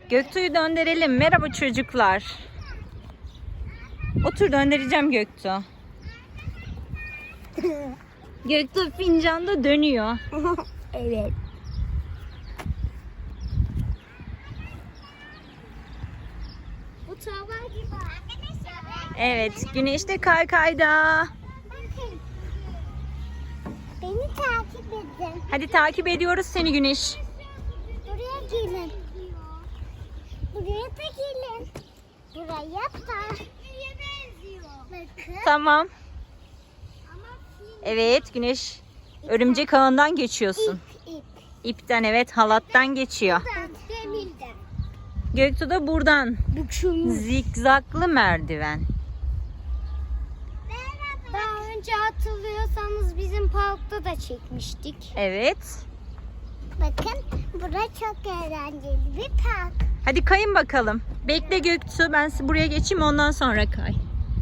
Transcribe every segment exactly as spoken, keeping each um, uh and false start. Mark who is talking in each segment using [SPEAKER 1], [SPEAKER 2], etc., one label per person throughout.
[SPEAKER 1] Göktuğ'u döndürelim. Merhaba çocuklar. Otur, döndüreceğim Göktuğ. Göktuğ fincanda dönüyor.
[SPEAKER 2] Evet. Bu tava gibi arkadaşlar.
[SPEAKER 1] Evet, Güneş de kaykayda.
[SPEAKER 2] Bakın. Beni takip edin.
[SPEAKER 1] Hadi takip ediyoruz seni Güneş.
[SPEAKER 2] Buraya gelin. Buraya da gelin. Buraya da. Bakın.
[SPEAKER 1] Tamam.
[SPEAKER 2] Ama fil
[SPEAKER 1] Evet Güneş. Örümcek ağından geçiyorsun.
[SPEAKER 2] ip ip.
[SPEAKER 1] İpten, evet, halattan geçiyor.
[SPEAKER 2] Demirden.
[SPEAKER 1] Göktuğ da buradan.
[SPEAKER 2] Bükülmüş.
[SPEAKER 1] Zikzaklı merdiven.
[SPEAKER 2] Daha önce hatırlıyorsanız bizim parkta da çekmiştik.
[SPEAKER 1] Evet.
[SPEAKER 2] Bakın burası çok eğlenceli bir park.
[SPEAKER 1] Hadi kayın bakalım. Bekle Göktuğ, ben buraya geçeyim, ondan sonra kay.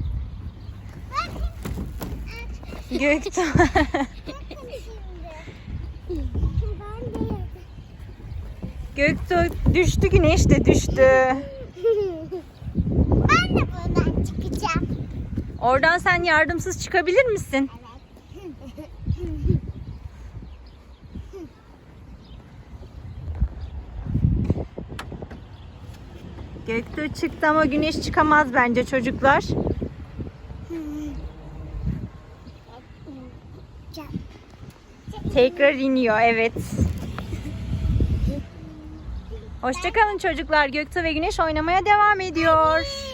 [SPEAKER 1] Göktuğ.
[SPEAKER 2] Bakın şimdi. Ben de
[SPEAKER 1] Göktuğ düştü, Güneş de düştü.
[SPEAKER 2] Ben de buradan çıkacağım.
[SPEAKER 1] Oradan sen yardımsız çıkabilir misin? Göktuğ çıktı ama Güneş çıkamaz bence çocuklar. Tekrar iniyor, evet. Hoşça kalın çocuklar. Göktuğ ve Güneş oynamaya devam ediyor.